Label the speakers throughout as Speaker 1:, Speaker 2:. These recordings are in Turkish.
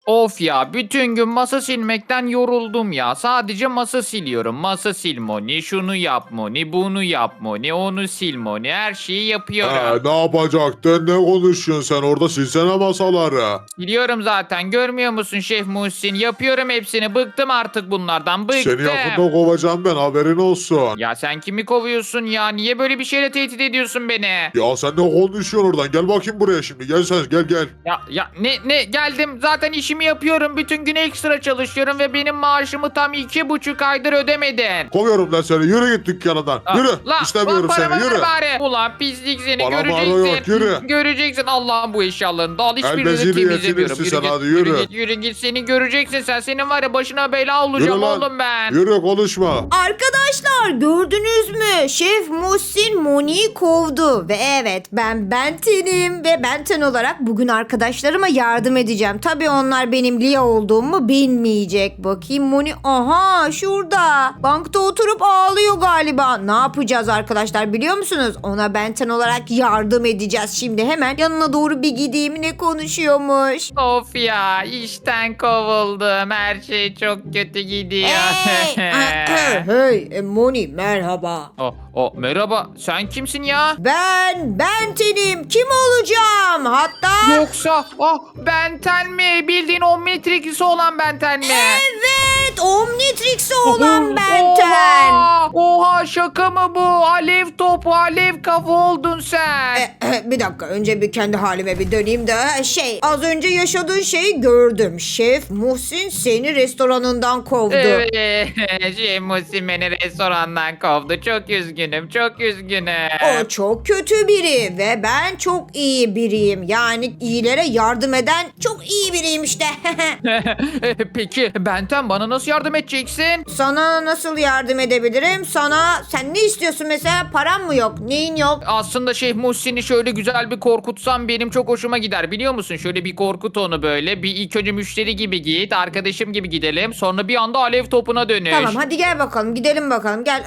Speaker 1: Of ya, bütün gün masa silmekten yoruldum ya. Sadece masa siliyorum. Masa sil Moni, şunu yap Moni, bunu yap Moni, onu sil Moni. Her şeyi yapıyorum.
Speaker 2: Ne yapacaktın? Ne konuşuyorsun sen orada? Silsene masaları.
Speaker 1: Siliyorum zaten. Görmüyor musun Şef Muhsin? Yapıyorum hepsini. Bıktım artık bunlardan. Bıktım.
Speaker 2: Seni yakında kovacağım ben, haberin olsun.
Speaker 1: Ya sen kimi kovuyorsun ya? Niye böyle bir şeyle tehdit ediyorsun beni?
Speaker 2: Ya sen ne konuşuyorsun oradan? Gel bakayım buraya şimdi. Gel sen, gel.
Speaker 1: Ya ne geldim zaten işimi yapıyorum. Bütün gün ekstra çalışıyorum ve benim maaşımı tam 2,5 aydır ödemedin.
Speaker 2: Kovuyorum lan seni. Yürü git dükkanından. Yürü.
Speaker 1: La,
Speaker 2: İstemiyorum
Speaker 1: lan
Speaker 2: seni.
Speaker 1: paramı ver
Speaker 2: Yürü.
Speaker 1: bari. Ulan pislik seni
Speaker 2: Bana
Speaker 1: göreceksin.
Speaker 2: bağırıyor, yürü.
Speaker 1: Göreceksin Allah'ın bu eşyalarını da al, hiçbirini
Speaker 2: Elbezini
Speaker 1: temizlemiyorum.
Speaker 2: yetinirsin sen, hadi yürü.
Speaker 1: Yürü git seni göreceksin sen. Senin var ya başına bela
Speaker 2: Yürü
Speaker 1: olacağım
Speaker 2: lan.
Speaker 1: oğlum ben.
Speaker 2: Yürü, konuşma.
Speaker 3: Arkadaşlar gördünüz mü? Şef Muhsin Moni'yi kovdu. Ve evet ben Benten'im ve Benten olarak bugün arkadaşlarıma yardım edeceğim. Tabii onlar benim Lia olduğumu bilmeyecek. Bakayım Moni, aha şurada. Bankta oturup ağlıyor galiba. Ne yapacağız arkadaşlar biliyor musunuz? Ona Benten olarak yardım edeceğiz. Şimdi hemen yanına doğru bir gideyim, ne konuşuyormuş.
Speaker 1: Of ya, işten kovuldum. Her şey çok kötü gidiyor.
Speaker 3: Hey Moni merhaba.
Speaker 1: Merhaba. Sen kimsin ya?
Speaker 3: Ben Benten'im. Kim olacağım? Hatta
Speaker 1: Yoksa Benten mi? Bildiğin Omnitrix'i olan Benten mi?
Speaker 3: evet Omnitrix'e olan Benten.
Speaker 1: Oha, şaka mı bu? Alev topu, alev kafa oldun sen.
Speaker 3: Bir dakika, önce bir kendi halime bir döneyim de az önce yaşadığın şeyi gördüm. Şef Muhsin seni restoranından kovdu.
Speaker 1: Evet. Muhsin beni restorandan kovdu. Çok üzgünüm. Çok üzgünüm.
Speaker 3: O çok kötü biri ve ben çok iyi biriyim. Yani iyilere yardım eden çok iyi biriyim işte.
Speaker 1: Peki Benten, bana nasıl yardım edeceksin?
Speaker 3: Sana nasıl yardım edebilirim? Sen ne istiyorsun mesela? Param mı yok? Neyin yok?
Speaker 1: Aslında Şeyh Muhsin'i şöyle güzel bir korkutsam benim çok hoşuma gider, biliyor musun? Şöyle bir korkut onu böyle. Bir ilk önce müşteri gibi git, arkadaşım gibi gidelim. Sonra bir anda alev topuna dönüş.
Speaker 3: Tamam hadi gel bakalım, gidelim bakalım, gel.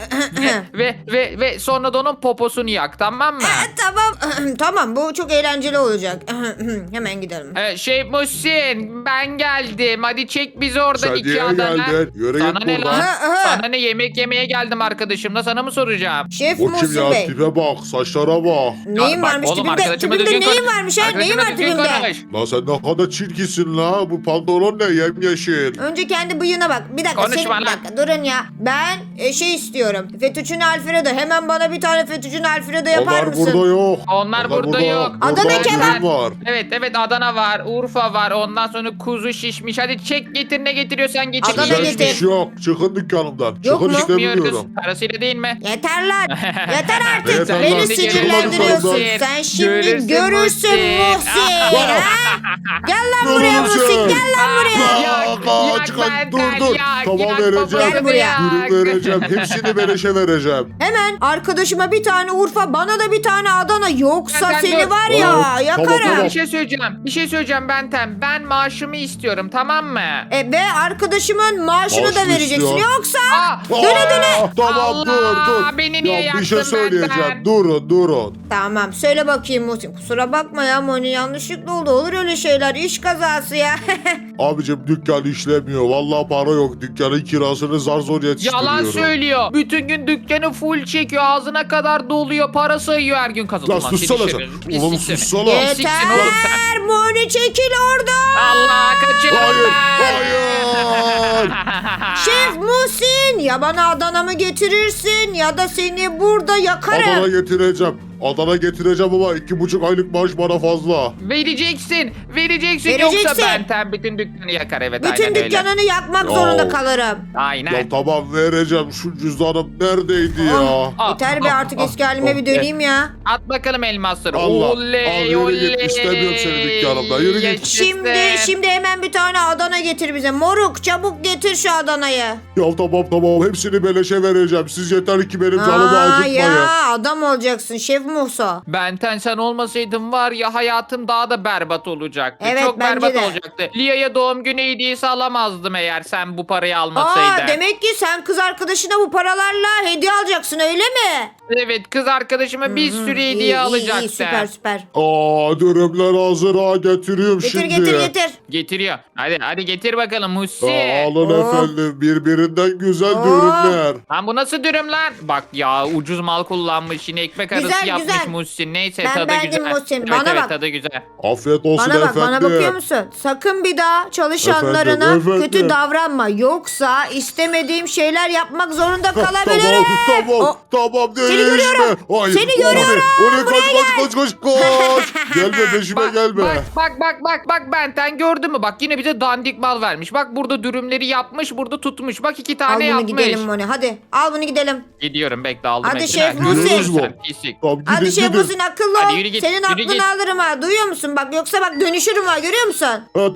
Speaker 1: ve sonra da onun poposunu yak, tamam mı?
Speaker 3: Tamam tamam, bu çok eğlenceli olacak. Hemen gidelim.
Speaker 1: Şeyh Muhsin, ben geldim. Hadi çek bizi oradan
Speaker 2: Sen
Speaker 1: iki
Speaker 2: niye
Speaker 1: adana.
Speaker 2: geldin? Yürü
Speaker 1: Sana
Speaker 2: git
Speaker 1: ne
Speaker 2: buradan.
Speaker 1: lan? Sana ne, yemek yemeye geldim arkadaşımla, sana mı soracağım?
Speaker 3: Şef
Speaker 2: O kim
Speaker 3: Muhsin
Speaker 2: ya?
Speaker 3: Bey.
Speaker 2: Tipe bak, saçlara bak.
Speaker 3: Neyin
Speaker 1: Bak
Speaker 3: varmış
Speaker 1: oğlum,
Speaker 3: tipimde?
Speaker 1: arkadaşıma
Speaker 3: Tipimde
Speaker 1: düzgün
Speaker 3: neyin
Speaker 1: konuş.
Speaker 3: varmış ha? Neyin
Speaker 1: Arkadaşıma
Speaker 3: var
Speaker 1: düzgün
Speaker 3: tipimde?
Speaker 1: konuş.
Speaker 2: Lan sen ne kadar çirkinsin la. Bu pantolon ne? Yemyeşil.
Speaker 3: Önce kendi bıyığına bak. Bir dakika,
Speaker 1: Konuşma
Speaker 3: bir
Speaker 1: lan.
Speaker 3: dakika durun ya. Ben istiyorum. Fettuccine Alfredo. Hemen bana bir tane Fettuccine Alfredo yapar
Speaker 2: Onlar
Speaker 3: mısın?
Speaker 2: burada yok.
Speaker 1: Onlar burada yok.
Speaker 3: Adana
Speaker 2: Burada
Speaker 3: kebap.
Speaker 2: dürüm var.
Speaker 1: Evet, Adana var, Urfa var, ondan sonra kuzu şişmiş. Hadi çek getir, ne getiriyorsan getir.
Speaker 3: Adana
Speaker 2: Güzel
Speaker 3: getir.
Speaker 2: iş yok. Çıkın dükkanımdan.
Speaker 3: Yok
Speaker 2: Çıkın
Speaker 3: mu?
Speaker 2: istemiyorum.
Speaker 1: Parasıyla değil mi?
Speaker 3: Yeter lan. Yeter artık.
Speaker 2: Yeter
Speaker 3: Beni
Speaker 2: lan.
Speaker 3: sinirlendiriyorsun.
Speaker 2: Görürsün.
Speaker 3: Sen şimdi
Speaker 1: Görürsün
Speaker 3: görürsün
Speaker 1: Muhsin.
Speaker 3: Muhsin. ha? Gel lan buraya
Speaker 2: Görürsün.
Speaker 3: Muhsin. Gel lan buraya.
Speaker 1: Yak
Speaker 2: Çıkın,
Speaker 1: Benten,
Speaker 2: dur.
Speaker 1: yak,
Speaker 2: Tamam,
Speaker 1: yak
Speaker 2: vereceğim.
Speaker 1: babasını
Speaker 3: Gel buraya.
Speaker 1: yak.
Speaker 2: Dürüm vereceğim. Hepsini beleşe vereceğim.
Speaker 3: Hemen arkadaşıma bir tane Urfa, bana da bir tane Adana. Yoksa
Speaker 1: Benden
Speaker 3: seni
Speaker 1: dur.
Speaker 3: var ya
Speaker 2: Tamam,
Speaker 3: yakarım.
Speaker 2: tamam.
Speaker 1: Bir şey söyleyeceğim Benten. Ben maaşımı istiyorum, tamam mı?
Speaker 3: Ve arkadaşımın maaşını
Speaker 2: Maaş
Speaker 3: da
Speaker 2: mı
Speaker 3: vereceksin.
Speaker 2: istiyor?
Speaker 3: Yoksa
Speaker 2: Tamam,
Speaker 1: Allah,
Speaker 2: dur.
Speaker 1: beni niye
Speaker 2: Ya bir şey
Speaker 1: yaktın
Speaker 2: söyleyeceğim.
Speaker 1: benden?
Speaker 2: Durun.
Speaker 3: Tamam söyle bakayım Muhsin. Kusura bakma ya Moni, yanlışlıkla oldu. Olur öyle şeyler. İş kazası ya.
Speaker 2: Abicim dükkan işlemiyor. Vallahi para yok. Dükkanın kirasını zar zor yetiştiriyorum.
Speaker 1: Yalan söylüyor. Bütün gün dükkanı full çekiyor. Ağzına kadar doluyor. Para sayıyor her gün,
Speaker 2: Lan
Speaker 1: kazanıyor.
Speaker 2: sussana sen. Oğlum sussana.
Speaker 1: Pisliksin oğlum
Speaker 3: Yeter Moni, çekil oradan.
Speaker 1: Allah, kaçırın.
Speaker 2: Hayır.
Speaker 3: Şef Muhsin, ya bana Adana'mı getirirsin ya da seni burada yakarım.
Speaker 2: Adana getireceğim ama 2,5 aylık maaş bana fazla.
Speaker 1: Vereceksin.
Speaker 3: Vereceksin.
Speaker 1: Yoksa Benten bütün dükkanı yakar. Evet,
Speaker 3: Bütün
Speaker 1: aynen öyle.
Speaker 3: dükkanını yakmak
Speaker 2: Ya.
Speaker 3: zorunda kalırım.
Speaker 1: Aynen.
Speaker 2: Ya tamam, vereceğim. Şu cüzdanım neredeydi ya?
Speaker 3: Yeter be, artık eski halime bir döneyim ya.
Speaker 1: At bakalım elmasları.
Speaker 2: Allah.
Speaker 1: Oley
Speaker 2: Al, yürü git.
Speaker 1: oley.
Speaker 2: İstemiyorum seni dükkanımda. Yürü git.
Speaker 1: Yaşasın.
Speaker 3: Şimdi hemen bir tane Adana getir bize. Moruk çabuk getir şu Adana'yı.
Speaker 2: Ya tamam hepsini beleşe vereceğim. Siz yeter ki benim canımı acıtmayın.
Speaker 3: Ya adam olacaksın Şef Musa.
Speaker 1: Benten sen olmasaydın var ya hayatım daha da berbat olacaktı.
Speaker 3: Evet,
Speaker 1: Çok
Speaker 3: bence
Speaker 1: berbat
Speaker 3: de.
Speaker 1: olacaktı. Lia'ya doğum günü hediyesi alamazdım eğer sen bu parayı almasaydın.
Speaker 3: Demek ki sen kız arkadaşına bu paralarla hediye alacaksın öyle mi?
Speaker 1: Evet kız arkadaşıma bir sürü hediye
Speaker 3: İyi,
Speaker 1: alacaktı.
Speaker 3: süper.
Speaker 2: Dürümler hazır ha getiriyorum
Speaker 3: Getir
Speaker 2: şimdi.
Speaker 3: getir.
Speaker 1: Getiriyor. Hadi getir bakalım Hussi.
Speaker 2: Alın efendim birbirinden güzel dürümler.
Speaker 1: Lan bu nasıl dürüm lan? Bak ya ucuz mal kullanmış yine ekmek arası
Speaker 3: Güzel,
Speaker 1: yapmış
Speaker 3: güzel.
Speaker 1: Muhsin. Neyse
Speaker 3: Ben
Speaker 1: tadı
Speaker 3: beğendim
Speaker 1: güzel.
Speaker 3: Muhsin.
Speaker 1: Evet,
Speaker 3: Bana
Speaker 1: evet,
Speaker 3: bak.
Speaker 1: tadı güzel.
Speaker 2: Afiyet olsun
Speaker 3: Bana bak
Speaker 2: efendim.
Speaker 3: bana bakıyor musun? Sakın bir daha çalışanlarına
Speaker 2: Efendim.
Speaker 3: kötü davranma. Yoksa istemediğim şeyler yapmak zorunda kalabilirim.
Speaker 2: Tamam
Speaker 3: Seni
Speaker 2: değişme.
Speaker 3: görüyorum.
Speaker 2: Hayır,
Speaker 3: Seni görüyorum.
Speaker 2: Oraya koş. Gelme peşime gelme.
Speaker 1: Bak Benten gördün mü? Bak yine bize dandik mal vermiş. Bak burada dürümleri yapmış, burada tutmuş. Bak 2
Speaker 3: Al
Speaker 1: tane
Speaker 3: bunu
Speaker 1: yapmış.
Speaker 3: gidelim Moni. Hadi al bunu gidelim.
Speaker 1: Gidiyorum bekle aldım.
Speaker 3: Hadi
Speaker 1: hepsini.
Speaker 3: Şef
Speaker 1: Ha,
Speaker 3: Muhsin.
Speaker 1: görüyorsun sen, pislik.
Speaker 2: Tamam
Speaker 3: Hadi
Speaker 2: gidin
Speaker 3: Şef
Speaker 2: gidin.
Speaker 3: Muhsin akıllı
Speaker 1: Hadi
Speaker 3: ol.
Speaker 1: yürü git,
Speaker 3: Senin
Speaker 1: yürü
Speaker 3: aklını
Speaker 1: git.
Speaker 3: alırım ha. Duyuyor musun? Bak yoksa bak dönüşürüm ha. Görüyor musun?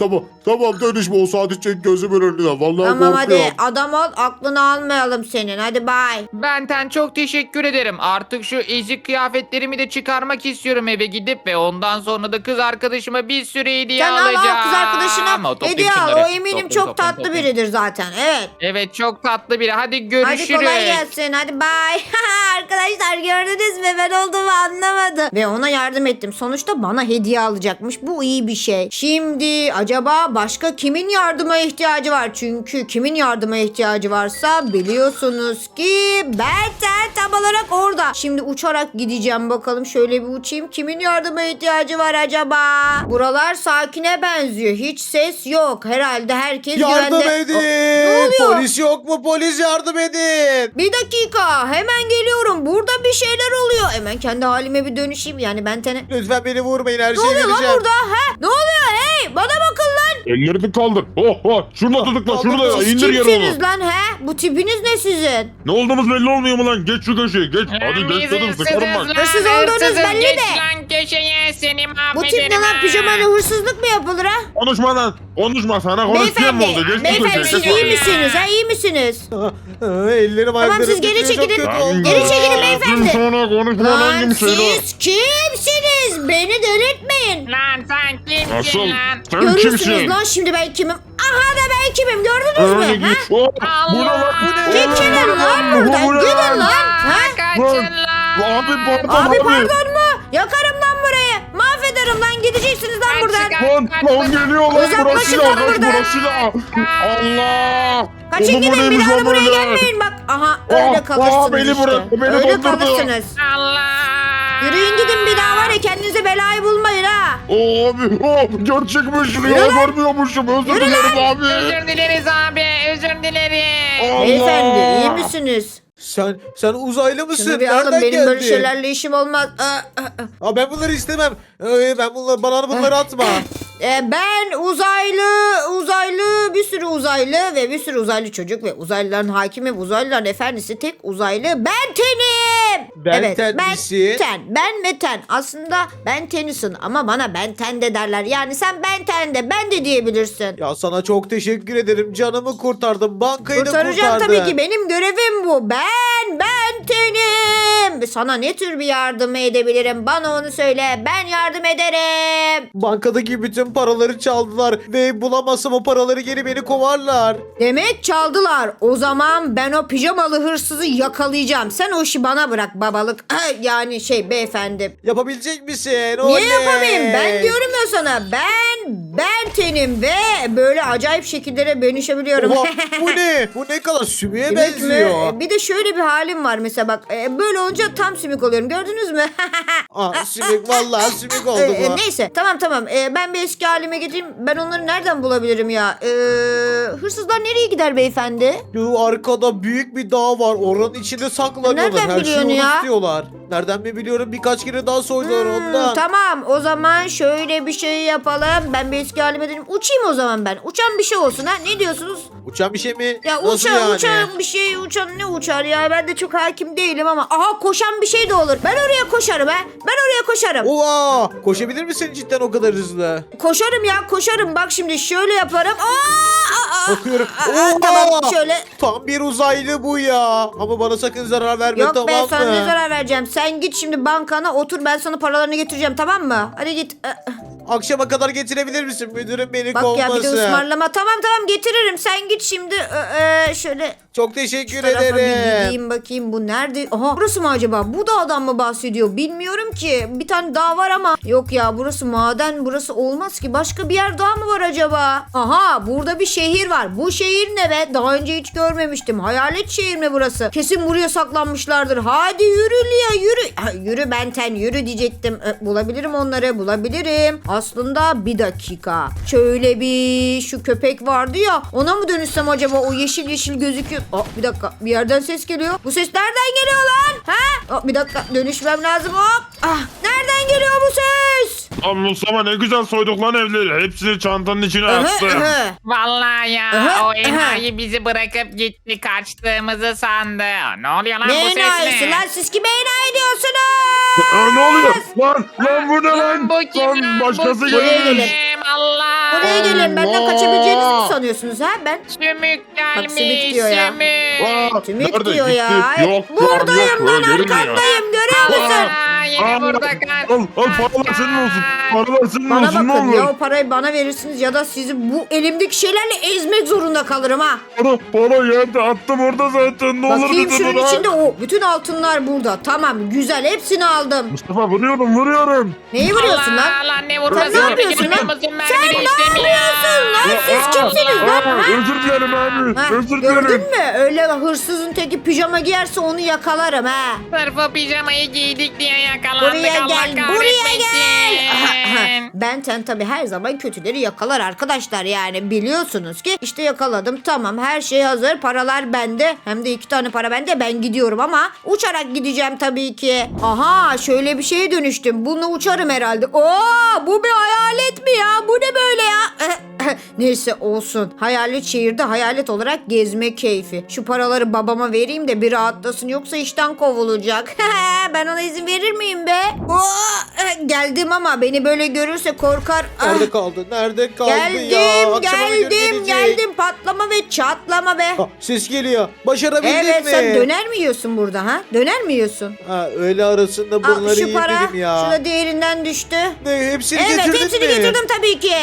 Speaker 2: Tamam dönüşme o saati çek gözümün önünden. Vallahi
Speaker 3: Tamam hadi
Speaker 2: korkuyorum.
Speaker 3: adam ol aklını almayalım senin. Hadi bay.
Speaker 1: Benten çok teşekkür ederim. Artık şu ezik kıyafetlerimi de çıkarmak istiyorum eve gidip ve ondan sonra da kız arkadaşıma bir sürü hediye
Speaker 3: Sen al
Speaker 1: alacağım.
Speaker 3: kız arkadaşına
Speaker 1: Toplayayım
Speaker 3: hediye al.
Speaker 1: şunları.
Speaker 3: O eminim çok tatlı biridir zaten. Evet.
Speaker 1: Evet çok tatlı biri. Hadi görüşürüz.
Speaker 3: Hadi kolay gelsin. Hadi bay. Arkadaşlar gördünüz mü? Ben olduğumu anlamadı. Ve ona yardım ettim. Sonuçta bana hediye alacakmış. Bu iyi bir şey. Şimdi acaba başka kimin yardıma ihtiyacı var? Çünkü kimin yardıma ihtiyacı varsa biliyorsunuz ki Benten tam olarak orada. Şimdi uçarak gideceğim bakalım. Şöyle bir uçayım. Kimin yardıma ihtiyacı var acaba? Buralar sakine benziyor. Hiç ses yok. Herhalde herkes
Speaker 4: Yardım
Speaker 3: güvende.
Speaker 4: edin.
Speaker 3: Ne oluyor?
Speaker 4: Polis yok mu? Polis yardım edin.
Speaker 3: Bir dakika hemen geliyorum. Burada bir şeyler oluyor. Hemen kendi halime bir dönüşeyim. Yani Benten'e...
Speaker 4: Lütfen beni vurmayın, her
Speaker 3: Ne
Speaker 4: şeyi
Speaker 3: oluyor lan
Speaker 4: vereceğim.
Speaker 3: burada? Ne oluyor? Hey bana bakın lan.
Speaker 2: Ellerini kaldır. Şurada tutukla şurada
Speaker 3: Siz
Speaker 2: indir yere
Speaker 3: kimsiniz
Speaker 2: onu.
Speaker 3: lan he? Bu tipiniz ne sizin?
Speaker 2: Ne olduğumuz belli olmuyor mu lan? Geç şu köşeye geç. Hadi
Speaker 1: Biz
Speaker 2: geç dedim sıkarım bak.
Speaker 3: Hırsız olduğunuz belli
Speaker 1: Geç
Speaker 3: de.
Speaker 1: lan köşeye seni
Speaker 3: Bu tip ne
Speaker 1: mahvederim
Speaker 3: lan
Speaker 1: ha.
Speaker 3: pijamayla hırsızlık mı yapılır ha?
Speaker 2: Konuşma lan. Konuşma sana konuşacağım mı oldu? Geç şu
Speaker 3: Beyefendi
Speaker 2: köşeye.
Speaker 3: siz
Speaker 2: geç.
Speaker 3: iyi misiniz? Ha iyi misiniz?
Speaker 4: Ellerim ayaklarım
Speaker 3: siz geri
Speaker 4: titriyor, çok
Speaker 3: çekilin.
Speaker 4: kötü
Speaker 2: Lan
Speaker 4: oldu.
Speaker 3: Geri çekilin beyefendi.
Speaker 2: Sonra konuşma
Speaker 3: Lan
Speaker 2: lan gibi şeyler.
Speaker 3: siz kimsiniz? Beni delirtmeyin.
Speaker 1: Lan sen kimsin
Speaker 2: Asıl
Speaker 1: lan?
Speaker 2: sen
Speaker 3: Görürsünüz
Speaker 2: kimsin?
Speaker 3: lan şimdi ben kimim? Aha da ben kimim gördünüz
Speaker 2: Öyle
Speaker 3: mü? Ha?
Speaker 2: git. Bu ne lan?
Speaker 3: Çekilin lan buradan gidin lan. Ha?
Speaker 1: Kaçın lan.
Speaker 2: Abi pardon
Speaker 3: Abi pardon mu? Yakarım lan burayı. Mahvederim lan gideceksiniz lan buradan.
Speaker 2: Lan geliyor lan
Speaker 3: Uzaklaşın
Speaker 2: burası
Speaker 3: lan
Speaker 2: da. Kaç
Speaker 3: buradan.
Speaker 2: burası da. Allah.
Speaker 3: Kaçın
Speaker 2: Oğlum, bu
Speaker 3: gidin bir
Speaker 2: neymiş
Speaker 3: daha
Speaker 2: lan
Speaker 3: da buraya
Speaker 2: böyle?
Speaker 3: gelmeyin bak. Aha öyle kalırsınız
Speaker 2: beni
Speaker 3: işte.
Speaker 2: bırak, beni
Speaker 3: Öyle
Speaker 2: dondurdu.
Speaker 3: kalırsınız.
Speaker 1: Allah.
Speaker 3: Yürüyün gidin bir daha var ya kendinize belayı bulmayın ha.
Speaker 2: Abi gerçekmiş
Speaker 3: Yürü
Speaker 2: ya
Speaker 3: lan.
Speaker 2: görmüyormuşum özür
Speaker 3: Yürü
Speaker 2: dilerim abi.
Speaker 1: Özür dileriz abi. Özür dileriz.
Speaker 2: Allah.
Speaker 3: Beyefendi iyi misiniz?
Speaker 4: Sen uzaylı mısın?
Speaker 3: Şunu bir alın
Speaker 4: Nereden
Speaker 3: benim böyle
Speaker 4: geldin?
Speaker 3: şeylerle işim olmaz.
Speaker 4: Ben bunları istemem. Bana bunları atma.
Speaker 3: Ben uzaylı bir sürü uzaylı ve bir sürü uzaylı çocuk ve uzaylıların hakimi ve uzaylıların efendisi tek uzaylı Benten'im.
Speaker 4: Benten misin?
Speaker 3: Ben Meten. Aslında Ben Tennyson ama bana Benten de derler. Yani sen Benten de ben de diyebilirsin.
Speaker 4: Ya sana çok teşekkür ederim. Canımı kurtardın. Bankayı da
Speaker 3: Kurtaracağım
Speaker 4: kurtardın.
Speaker 3: tabii ki. Benim görevim bu. Ben Benten'im. Sana ne tür bir yardım edebilirim? Bana onu söyle. Ben yardım ederim.
Speaker 4: Bankadaki bütün paraları çaldılar ve bulamazsam o paraları geri beni kovarlar.
Speaker 3: Demek çaldılar. O zaman ben o pijamalı hırsızı yakalayacağım. Sen o işi bana bırak babalık. Yani beyefendi.
Speaker 4: Yapabilecek misin?
Speaker 3: Niye
Speaker 4: Oley!
Speaker 3: yapamayayım? Ben diyorum ya sana. Ben tenim ve böyle acayip şekillere dönüşebiliyorum.
Speaker 4: Oha, bu ne? Bu ne kadar sümüğe
Speaker 3: Evet mi?
Speaker 4: benziyor.
Speaker 3: Bir de şöyle bir halim var mesela bak. Böyle olunca tam sümük oluyorum. Gördünüz mü?
Speaker 4: Sümük vallahi sümük oldu bu.
Speaker 3: Neyse tamam. Ben bir eski halime gideyim. Ben onları nereden bulabilirim ya? Hırsızlar nereye gider beyefendi?
Speaker 4: Şu arkada büyük bir dağ var. Oranın içinde saklanıyorlar.
Speaker 3: Nereden
Speaker 4: Her
Speaker 3: biliyorsun
Speaker 4: şeyi
Speaker 3: ya?
Speaker 4: unutuyorlar. Nereden mi biliyorum, birkaç kere daha soydular ondan.
Speaker 3: Tamam o zaman şöyle bir şey yapalım. Ben bir eski halime döneyim. Uçayım o zaman ben. Uçan bir şey olsun ha. Ne diyorsunuz?
Speaker 4: Uçan bir şey mi?
Speaker 3: Ya
Speaker 4: Nasıl yani?
Speaker 3: uçan bir şey, uçan ne uçar ya? Ben de çok hakim değilim ama. Aha koşan bir şey de olur. Ben oraya koşarım ha. Ben oraya koşarım.
Speaker 4: Oha! Koşabilir misin cidden o kadar hızlı?
Speaker 3: Koşarım ya koşarım. Bak şimdi şöyle yaparım.
Speaker 4: Bakıyorum.
Speaker 3: Tamam
Speaker 4: Oha!
Speaker 3: şöyle.
Speaker 4: Tam bir uzaylı bu ya. Ama bana sakın zarar verme,
Speaker 3: Yok
Speaker 4: tamam
Speaker 3: be
Speaker 4: mı?
Speaker 3: sana ne zarar vereceğim. Sen git şimdi bankana otur ben sana paralarını getireceğim tamam mı? Hadi git.
Speaker 4: Akşama kadar getirebilir misin? Müdürüm beni
Speaker 3: Bak
Speaker 4: kovmasın.
Speaker 3: ya bir de ısmarlama. Tamam getiririm. Sen git şimdi şöyle
Speaker 4: Çok teşekkür
Speaker 3: tarafa bir
Speaker 4: ederim.
Speaker 3: gideyim bakayım bu nerede? Aha burası mı acaba? Bu dağdan mı bahsediyor? Bilmiyorum ki. Bir tane dağ var ama. Yok ya burası maden. Burası olmaz ki. Başka bir yer daha mı var acaba? Aha burada bir şehir var. Bu şehir ne be? Daha önce hiç görmemiştim. Hayalet şehir mi burası? Kesin buraya saklanmışlardır. Hadi yürü Lia yürü. Yürü Benten yürü diyecektim. Bulabilirim onları bulabilirim. Aslında bir dakika. Şöyle bir şu köpek vardı ya. Ona mı dönüşsem acaba? O yeşil yeşil gözüküyor. Bir dakika. Bir yerden ses geliyor. Bu ses nereden geliyor lan? Bir dakika. Dönüşmem lazım. Hop. Nereden geliyor bu ses?
Speaker 2: Lan Mustafa ne güzel soyduk lan evleri. Hepsini çantanın içine attım.
Speaker 1: Vallahi ya
Speaker 3: Aha,
Speaker 1: o enayi bizi bırakıp gitti kaçtığımızı sandı. Ne oluyor lan
Speaker 3: Ne
Speaker 1: bu ses
Speaker 3: enayisi
Speaker 1: ne?
Speaker 3: lan? Siz kime enayi diyorsunuz?
Speaker 2: Ne oluyor? Lan bu ne lan?
Speaker 1: Bu kim
Speaker 2: Lan başkası
Speaker 1: bu
Speaker 3: Buraya
Speaker 2: gelmiş.
Speaker 3: gelin.
Speaker 1: kim? Allah.
Speaker 3: Buraya gelin. Benden
Speaker 2: Allah.
Speaker 3: kaçabileceğinizi mi sanıyorsunuz ha? Ben
Speaker 1: Sümük
Speaker 3: Bak, sümük
Speaker 1: gelmiş
Speaker 3: diyor ya.
Speaker 1: sümük.
Speaker 3: tümük
Speaker 2: Nerede?
Speaker 3: diyor ya.
Speaker 2: Gitti. Yok,
Speaker 3: Buradayım
Speaker 2: yok,
Speaker 3: ben
Speaker 2: görünmüyor.
Speaker 3: arkandayım. Görüyor musun?
Speaker 1: Yine burada kaç.
Speaker 2: Al paralar senin olsun. Paralar senin
Speaker 3: Bana
Speaker 2: olsun ne
Speaker 3: bakın
Speaker 2: olur.
Speaker 3: ya o parayı bana verirsiniz ya da sizi bu elimdeki şeylerle ezmek zorunda kalırım ha.
Speaker 2: Para yerde attım orada zaten. Ne olur
Speaker 3: Bakayım
Speaker 2: bize
Speaker 3: şunun
Speaker 2: bırak.
Speaker 3: içinde o. Bütün altınlar burada. Tamam güzel hepsini aldım.
Speaker 2: Mustafa vuruyorum.
Speaker 3: Neyi vuruyorsun lan?
Speaker 1: Allah ne vurması
Speaker 3: Sen ne yapıyorsun
Speaker 1: biliyor
Speaker 3: lan?
Speaker 1: musun?
Speaker 3: Sen
Speaker 1: Mermini
Speaker 3: ne
Speaker 1: işlemiyor.
Speaker 3: yapıyorsun lan? Siz kimsiniz lan? Ha?
Speaker 2: Özür dilerim abi.
Speaker 3: Ha,
Speaker 2: Özür
Speaker 3: gördün
Speaker 2: dilerim.
Speaker 3: mü? Öyle hırsızın teki pijama giyerse onu yakalarım ha.
Speaker 1: Sırf o pijamayı giydik diye yakalandık.
Speaker 3: Buraya
Speaker 1: Allah
Speaker 3: gel, buraya
Speaker 1: kahretmesin.
Speaker 3: gel. Benten tabii her zaman kötüleri yakalar arkadaşlar yani biliyorsunuz ki işte yakaladım tamam her şey hazır paralar bende hem de 2 tane para bende ben gidiyorum ama uçarak gideceğim tabii ki. Aha şöyle bir şeye dönüştüm bununla uçarım herhalde. Bu bir hayalet mi ya bu ne böyle ya? Neyse olsun. Hayalet şehirde hayalet olarak gezme keyfi. Şu paraları babama vereyim de bir rahatlasın yoksa işten kovulacak. Ben ona izin verir miyim be? Geldim ama beni böyle görürse korkar.
Speaker 4: Nerede kaldı? Nerede kaldı ya? Akşama
Speaker 3: Geldim
Speaker 4: gelecek.
Speaker 3: geldim patlama ve çatlama be.
Speaker 4: Ses geliyor. Başarabildin
Speaker 3: Evet
Speaker 4: mi?
Speaker 3: sen döner mi yiyorsun burada ha? Döner mi yiyorsun?
Speaker 4: Öğle arasında
Speaker 3: Al
Speaker 4: bunları
Speaker 3: şu para
Speaker 4: yedim ya.
Speaker 3: şurada diğerinden düştü.
Speaker 4: Ne, hepsini
Speaker 3: Evet
Speaker 4: getirdin
Speaker 3: hepsini
Speaker 4: mi?
Speaker 3: getirdim tabii ki.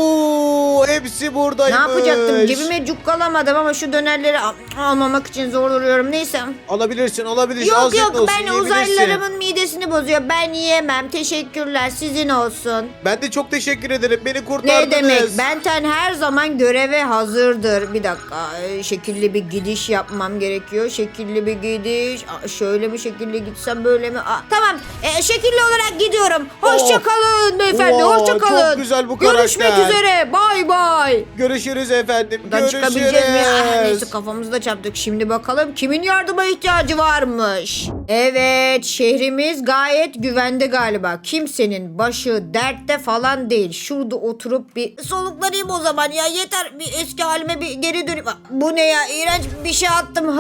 Speaker 4: Oo, hepsi
Speaker 3: Ne
Speaker 4: buradaymış.
Speaker 3: yapacaktım? Cebime cukkalamadım ama şu dönerleri almamak için zor duruyorum. Neyse.
Speaker 4: Alabilirsin.
Speaker 3: Yok
Speaker 4: Afiyet
Speaker 3: yok
Speaker 4: olsun,
Speaker 3: ben
Speaker 4: yiyebilirsin.
Speaker 3: uzaylılarımın midesini bozuyor. Ben yiyemem. Teşekkürler. Sizin olsun.
Speaker 4: Ben de çok teşekkür ederim. Beni kurtardınız.
Speaker 3: Ne demek? Benten her zaman göreve hazırdır. Bir dakika. Şekilli bir gidiş yapmam gerekiyor. Şekilli bir gidiş. Şöyle mi şekilli gitsem böyle mi? Tamam. Şekilli olarak gidiyorum. Hoşça kalın beyefendi.
Speaker 4: Oo,
Speaker 3: Hoşça kalın.
Speaker 4: çok güzel bu karakter.
Speaker 3: Görüşmek üzere. Bay bay.
Speaker 4: Görüşürüz efendim.
Speaker 3: Buradan
Speaker 4: Görüşürüz.
Speaker 3: çıkabileceğiz mi? Neyse kafamızda çarptık. Şimdi bakalım kimin yardıma ihtiyacı varmış. Evet şehrimiz gayet güvende galiba. Kimsenin başı dertte falan değil. Şurada oturup bir soluklanayım o zaman ya. Yeter bir eski halime bir geri döneyim. Bu ne ya? İğrenç bir şey attım.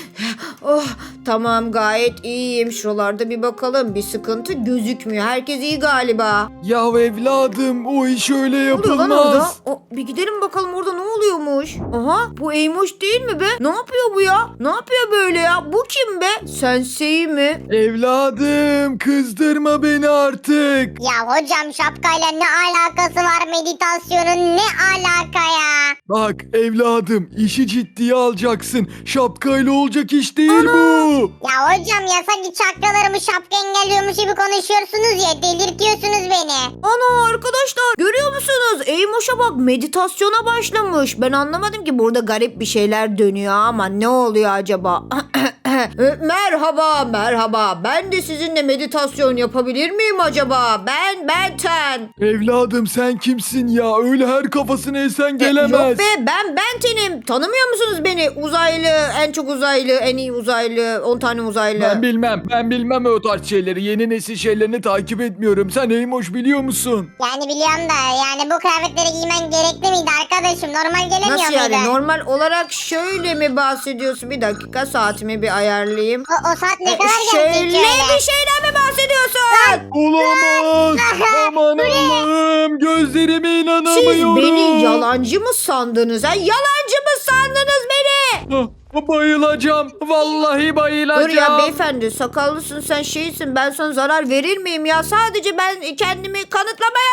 Speaker 3: Tamam gayet iyiyim. Şuralarda bir bakalım. Bir sıkıntı gözükmüyor. Herkes iyi galiba.
Speaker 5: Ya evladım o iş öyle
Speaker 3: Ne oluyor lan orada?
Speaker 5: yapılmaz.
Speaker 3: Bir gidelim bakalım orada ne oluyormuş. Aha bu Eymoş değil mi be? Ne yapıyor bu ya? Ne yapıyor böyle ya? Bu kim be? Sensei mi?
Speaker 5: Evladım kızdırma beni artık.
Speaker 6: Ya hocam şapkayla ne alakası var meditasyonun ne alaka ya?
Speaker 5: Bak evladım işi ciddiye alacaksın. Şapkayla olacak iş değil bu.
Speaker 6: Ya hocam ya sanki çakralarımı şapka engelliyormuş gibi konuşuyorsunuz ya delirtiyorsunuz beni.
Speaker 3: Ana arkadaşlar görüyor musunuz? Eymoş'a bak meditasyona başlamış. Ben anlamadım ki burada garip bir şeyler dönüyor ama ne oluyor acaba? Merhaba. Ben de sizinle meditasyon yapabilir miyim acaba? Ben Benten.
Speaker 5: Evladım sen kimsin ya? Öyle her kafasına esen
Speaker 3: Yok
Speaker 5: gelemez.
Speaker 3: be ben Benten'im. benim. Tanımıyor musunuz beni? Uzaylı, en çok uzaylı, en iyi uzaylı, 10 tane uzaylı.
Speaker 5: Ben bilmem o tarz şeyleri. Yeni nesil şeylerini takip etmiyorum. Sen Eymoş biliyor musun?
Speaker 6: Yani biliyorum da yani bu kıyafetleri giymen gerekli miydi arkadaşım? Normal gelemiyor
Speaker 3: Nasıl yani?
Speaker 6: muydu?
Speaker 3: Normal olarak şöyle mi bahsediyorsun? Bir dakika, saatimi bir ayarlayayım.
Speaker 6: O saat ne kadar
Speaker 3: Şöyle
Speaker 6: gelecek
Speaker 3: bir şeyden mi bahsediyorsun?
Speaker 5: Olamaz. Aman Allah'ım. Gözlerime
Speaker 3: Siz
Speaker 5: inanamıyorum.
Speaker 3: beni yalancı mı sandınız? Ha? Yalancı mı sandınız beni?
Speaker 5: Bayılacağım. Vallahi bayılacağım.
Speaker 3: Dur ya beyefendi, sakallısın sen, şeysin, ben sana zarar verir miyim ya? Sadece ben kendimi kanıtlamaya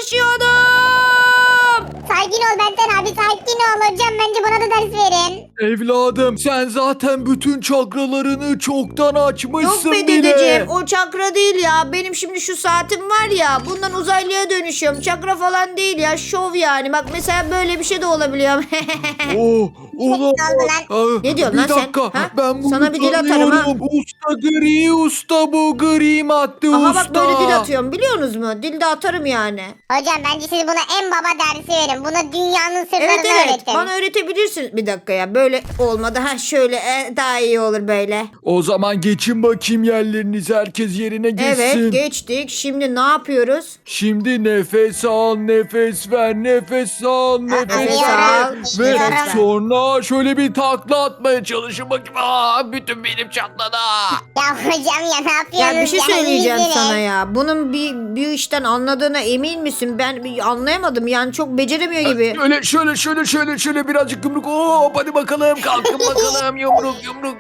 Speaker 3: çalışıyordum.
Speaker 6: Sakin ol Benten abi, sakin ol. Hocam bence bana da ders verin.
Speaker 5: Evladım sen zaten bütün çakralarını çoktan
Speaker 3: Yok
Speaker 5: açmışsın
Speaker 3: be
Speaker 5: bile.
Speaker 3: dedeciğim, o çakra değil ya. Benim şimdi şu saatim var ya, bundan uzaylıya dönüşüyorum. Çakra falan değil ya, şov yani. Bak mesela böyle bir şey de olabiliyor.
Speaker 5: Oh, olamaz.
Speaker 6: oldu
Speaker 3: Ne diyorsun
Speaker 5: bir
Speaker 3: lan sen?
Speaker 5: dakika.
Speaker 3: Ha?
Speaker 5: Ben bunu
Speaker 3: Sana bir dil atarım ha.
Speaker 5: tanıyorum. Usta gri, usta bu gri madde
Speaker 3: Aha
Speaker 5: usta.
Speaker 3: bak böyle dil atıyorum, biliyorsunuz mu? Dil de atarım yani.
Speaker 6: Hocam bence siz buna en baba dersi verin. Buna dünyanın sırlarını
Speaker 3: Evet evet,
Speaker 6: öğretin.
Speaker 3: bana öğretebilirsiniz. Bir dakika ya, böyle olmadı. Ha şöyle daha iyi olur böyle.
Speaker 5: O zaman geçin bakayım yerlerinize. Herkes yerine geçsin.
Speaker 3: Evet geçtik. Şimdi ne yapıyoruz?
Speaker 5: Şimdi nefes al, nefes ver, nefes al, nefes
Speaker 3: nefes
Speaker 5: ver.
Speaker 3: al,
Speaker 5: Ve
Speaker 3: nefes ver.
Speaker 5: sonra şöyle bir takla atmaya çalışın bakayım. Aa, bütün benim çatladı.
Speaker 6: Ya hocam ya ne yapıyorsunuz?
Speaker 3: Ya bir şey
Speaker 6: ya?
Speaker 3: söyleyeceğim
Speaker 6: İyisiniz.
Speaker 3: sana ya. Bunun bir işten anladığına emin misin? Ben anlayamadım. Yani çok beceremiyor gibi.
Speaker 5: Şöyle birazcık yumruk. Hop hadi bakalım. Kalkın bakalım. Yumruk.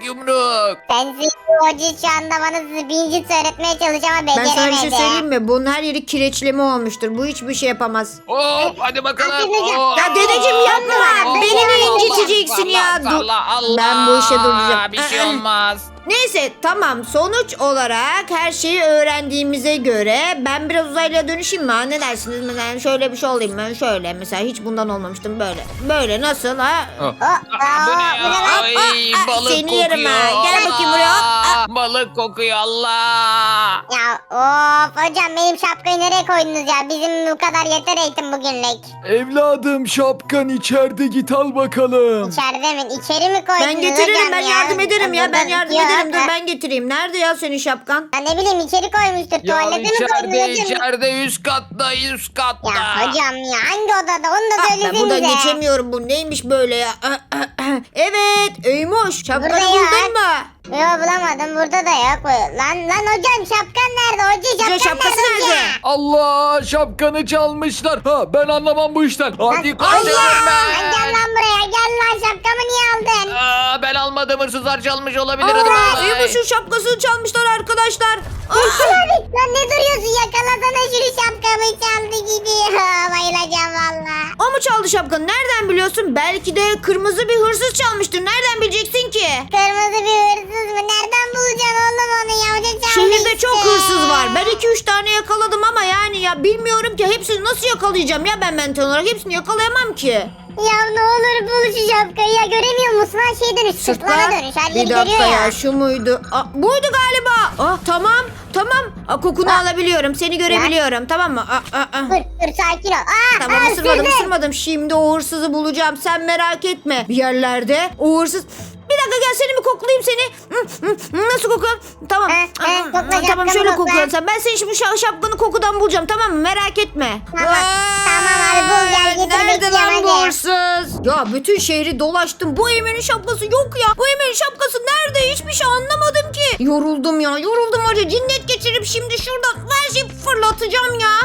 Speaker 6: Ben size hoca şu anda bana birinci öğretmeye çalışıyor ama
Speaker 3: Ben sana bir
Speaker 6: beceremedi.
Speaker 3: şey söyleyeyim mi? Bunun her yeri kireçleme olmuştur. Bu hiçbir şey yapamaz.
Speaker 1: Hop hadi bakalım.
Speaker 6: Hop.
Speaker 3: Ya dedeciğim yapma. Beni mi inciteceksin ya? Dur. Ben bu işe duracağım.
Speaker 1: Bir şey olmaz.
Speaker 3: Neyse tamam, sonuç olarak her şeyi öğrendiğimize göre ben biraz uzaylıya dönüşeyim mi? Ha? Ne dersiniz? Mesela şöyle bir şey olayım ben, şöyle mesela, hiç bundan olmamıştım, böyle. Böyle nasıl ha?
Speaker 1: Bu ne ya? Ay, balık
Speaker 3: seni
Speaker 1: kokuyor.
Speaker 3: yerim ha. Gel bakayım buraya. Hop.
Speaker 1: Balık kokuyor Allah.
Speaker 6: Ya of hocam benim şapkayı nereye koydunuz ya? Bizim bu kadar yeter eğitim bugünlük.
Speaker 5: Evladım şapkan içeride, git al bakalım.
Speaker 6: İçeride mi? İçeri mi koydunuz
Speaker 3: Ben getiririm,
Speaker 6: hocam
Speaker 3: ben
Speaker 6: ya?
Speaker 3: yardım ederim ya, ben
Speaker 6: Burada
Speaker 3: yardım
Speaker 6: bitiyor.
Speaker 3: ederim. Dur ben getireyim. Nerede ya senin şapkan?
Speaker 6: Ya ne bileyim içeri koymuştur.
Speaker 1: Ya
Speaker 6: Tuvalete mi koydunuz hocam?
Speaker 1: içeride üst katta.
Speaker 6: Ya hocam ya hangi odada onu da
Speaker 3: Ben
Speaker 6: söylesenize.
Speaker 3: buradan geçemiyorum, bu neymiş böyle ya? Evet Eymoş, şapkanı
Speaker 6: Burada ya.
Speaker 3: buldun mu?
Speaker 6: Yok bulamadım burada da yok. Lan hocam şapkan nerede? Hoca
Speaker 3: Şapkası
Speaker 6: nerede?
Speaker 3: nerede?
Speaker 5: Allah, şapkanı çalmışlar. Ha, ben anlamam bu işten. Hadi koş.
Speaker 6: Lan gel lan buraya gel lan şapkamı niye aldın?
Speaker 1: Ben almadım, hırsızlar çalmış olabilir. Hadi
Speaker 3: Aa,
Speaker 1: bay bay.
Speaker 3: Eymoş'un şapkasını çalmışlar arkadaşlar.
Speaker 6: Lan ne duruyorsun yakalasana şunu şapkamı çaldı gidiyor. Bayılacağım valla.
Speaker 3: O mu çaldı şapkanı? Nereden biliyorsun? Belki de kırmızı bir hırsız çalmıştır. Nereden bileceksin ki?
Speaker 6: Kırmızı bir hırsız mı? Nereden bulacaksın oğlum onu ya? Hoca çaldı
Speaker 3: Şehirde
Speaker 6: işte.
Speaker 3: çok hırsız var. Ben 2-3 tane yakaladım ama yani ya bilmiyorum ki hepsini nasıl yakalayacağım ya, ben mental olarak hepsini yakalayamam ki.
Speaker 6: Ya ne olur bul şu şapkayı ya göremiyor musun? Ha şeye dönüş sırtlana dönüş her
Speaker 3: Bir
Speaker 6: yeri
Speaker 3: dakika
Speaker 6: görüyor
Speaker 3: ya,
Speaker 6: ya.
Speaker 3: şu muydu? Buydu galiba. Tamam. Kokunu alabiliyorum. Seni görebiliyorum, tamam mı?
Speaker 6: Dur sakin ol.
Speaker 3: Tamam, ısırmadım. Şimdi o hırsızı bulacağım. Sen merak etme. Bir yerlerde o hırsız... Bir dakika gel, seni bir koklayayım seni. Nasıl kokuyorsun? Tamam.
Speaker 6: kokla,
Speaker 3: Tamam
Speaker 6: şapkamı
Speaker 3: şöyle
Speaker 6: kokla.
Speaker 3: kokuyorsun sen. Ben senin şimdi şapkanı kokudan bulacağım, tamam mı? Merak etme.
Speaker 6: Tamam abi, bul gel, getir,
Speaker 3: Nerede
Speaker 6: bekliyorum,
Speaker 3: lan bu
Speaker 6: hadi.
Speaker 3: hırsız? Ya bütün şehri dolaştım. Bu Eymen'in şapkası yok ya. Bu Eymen'in şapkası nerede? Hiçbir şey anlamadım ki. Yoruldum var ya. Cinnet geçirip şimdi şuradan her şeyi fırlatacağım ya.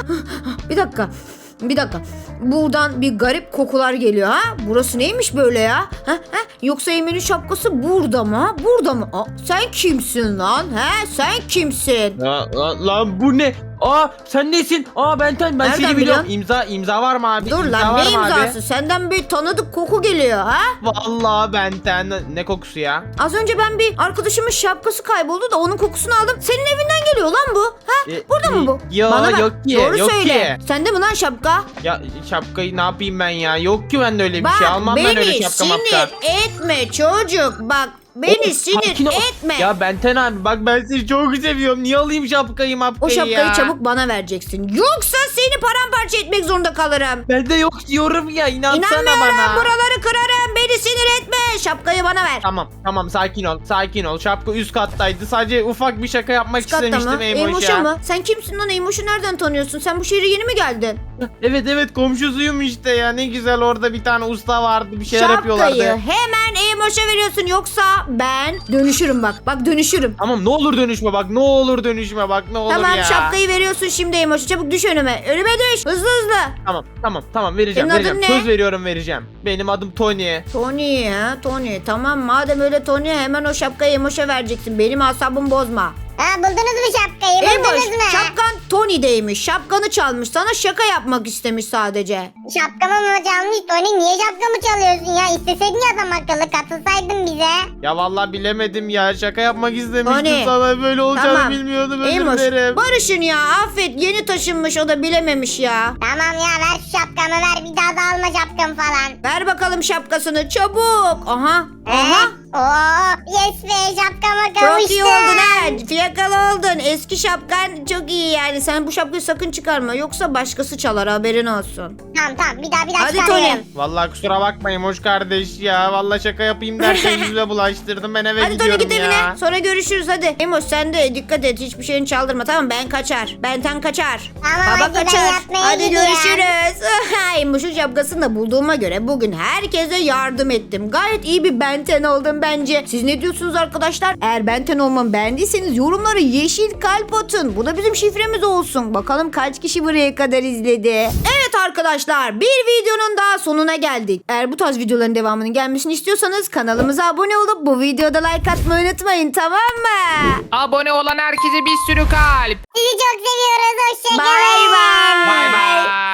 Speaker 3: Bir dakika. Buradan bir garip kokular geliyor ha. Burası neymiş böyle ya? Yoksa Eymen'in şapkası burada mı? Sen kimsin lan? Sen kimsin?
Speaker 7: Lan bu ne? Sen nesin? Benten ben
Speaker 3: Nereden
Speaker 7: seni biliyorum.
Speaker 3: biliyorsun?
Speaker 7: İmza var mı abi?
Speaker 3: Dur
Speaker 7: İmza
Speaker 3: lan,
Speaker 7: var
Speaker 3: ne
Speaker 7: mı abi?
Speaker 3: imzası? Senden bir tanıdık koku geliyor ha?
Speaker 7: Vallahi Benten ne kokusu ya?
Speaker 3: Az önce ben bir arkadaşımın şapkası kayboldu da onun kokusunu aldım. Senin evinden geliyor lan bu. Burada mı bu?
Speaker 7: Yo,
Speaker 3: Bana bak,
Speaker 7: yok ki,
Speaker 3: doğru
Speaker 7: yok
Speaker 3: söyle.
Speaker 7: ki.
Speaker 3: Sende mi lan şapka?
Speaker 7: Ya şapkayı ne yapayım ben ya? Yok ki bende öyle bir
Speaker 3: Bak
Speaker 7: şey. Almam ben öyle
Speaker 3: beni
Speaker 7: şapka
Speaker 3: sinir
Speaker 7: mapka.
Speaker 3: etme çocuk. Bak beni
Speaker 7: Sakin
Speaker 3: sinir
Speaker 7: ol.
Speaker 3: etme.
Speaker 7: Ya Benten abi bak ben seni çok seviyorum. Niye alayım şapkayı mapkayı
Speaker 3: O şapkayı
Speaker 7: ya?
Speaker 3: çabuk bana vereceksin. Yoksa seni paramparça etmek zorunda kalırım.
Speaker 7: Bende yok diyorum ya. İnansana
Speaker 3: İnanmıyorum,
Speaker 7: bana.
Speaker 3: buraları kırarım. Beni ver.
Speaker 7: Tamam sakin ol. Şapka üst kattaydı. Sadece ufak bir şaka yapmak
Speaker 3: Üst katta
Speaker 7: istemiştim
Speaker 3: mı?
Speaker 7: Eymoş'a.
Speaker 3: Eymoş'a mı? Sen kimsin lan? Eymoş'u nereden tanıyorsun? Sen bu şehre yeni mi geldin?
Speaker 7: Evet komşusuyum işte ya. Ne güzel orada bir tane usta vardı. Bir şeyler yapıyorlardı.
Speaker 3: Şapkayı hemen Eymoş'a veriyorsun yoksa ben dönüşürüm bak. Bak dönüşürüm.
Speaker 7: Tamam ne olur dönüşme bak. Ne olur
Speaker 3: Tamam
Speaker 7: ya.
Speaker 3: şapkayı veriyorsun şimdi Eymoş'a. Çabuk düş önüme. Önüme düş. Hızlı hızlı.
Speaker 7: Tamam vereceğim.
Speaker 3: Senin adın ne?
Speaker 7: Söz veriyorum vereceğim. Benim adım Tony.
Speaker 3: Tony ha Tony. Tamam madem öyle Tony hemen o şapkayı Eymoş'a vereceksin. Benim asabımı bozma.
Speaker 6: Ha buldunuz mu şapkayı? Buldunuz
Speaker 3: Eymoş
Speaker 6: mu?
Speaker 3: şapkan Tony'deymiş. Şapkanı çalmış. Sana şaka yapmak istemiş sadece.
Speaker 6: Şapkamı mı çalmış? Tony niye şapkamı çalıyorsun ya? İsteseydin ya adam akıllı katılsaydın bize.
Speaker 7: Ya vallahi bilemedim ya. Şaka yapmak istemiştim
Speaker 3: Tony.
Speaker 7: sana. Böyle olacağını
Speaker 3: Tamam.
Speaker 7: bilmiyordum. Özür
Speaker 3: Eymoş
Speaker 7: dilerim.
Speaker 3: barışın ya. Affet yeni taşınmış o da bilememiş ya.
Speaker 6: Tamam ya ver şu şapkamı ver. Bir daha da alma şapkamı falan.
Speaker 3: Ver bakalım şapkasını çabuk. Aha. Aha.
Speaker 6: Oo yes be şapkama
Speaker 3: Çok
Speaker 6: kavuştum.
Speaker 3: iyi oldun ha. Fiyakalı oldun. Eski şapkan çok iyi yani. Sen bu şapkayı sakın çıkarma. Yoksa başkası çalar haberin olsun.
Speaker 6: Tamam bir daha
Speaker 3: Hadi
Speaker 6: çıkarıyorum.
Speaker 7: Vallahi kusura bakmayın hoş kardeş ya. Vallahi şaka yapayım derken yüzüme bulaştırdım. Ben eve
Speaker 3: Hadi Tony
Speaker 7: gidiyorum
Speaker 3: git
Speaker 7: ya.
Speaker 3: evine. Sonra görüşürüz hadi. Emoş sen de dikkat et. Hiçbir şeyini çaldırma tamam Ben kaçar. Benten kaçar.
Speaker 6: Tamam,
Speaker 3: Baba
Speaker 6: hadi ben
Speaker 3: kaçar.
Speaker 6: yatmaya
Speaker 3: Hadi
Speaker 6: gidiyorum.
Speaker 3: görüşürüz. Emoş'un şapkasını da bulduğuma göre bugün herkese yardım ettim. Gayet iyi bir Benten oldum bence. Siz ne diyorsunuz arkadaşlar? Eğer Benten olmamı beğendiyseniz yorumlara yeşil kalp atın. Bu da bizim şifremiz olsun. Bakalım kaç kişi buraya kadar izledi. Evet arkadaşlar bir videonun daha sonuna geldik. Eğer bu tarz videoların devamının gelmesini istiyorsanız kanalımıza abone olup bu videoda like atmayı unutmayın tamam mı?
Speaker 1: Abone olan herkese bir sürü kalp.
Speaker 6: Sizi çok seviyoruz. Hoşçakalın.
Speaker 3: Bye bye.
Speaker 1: Bay bay.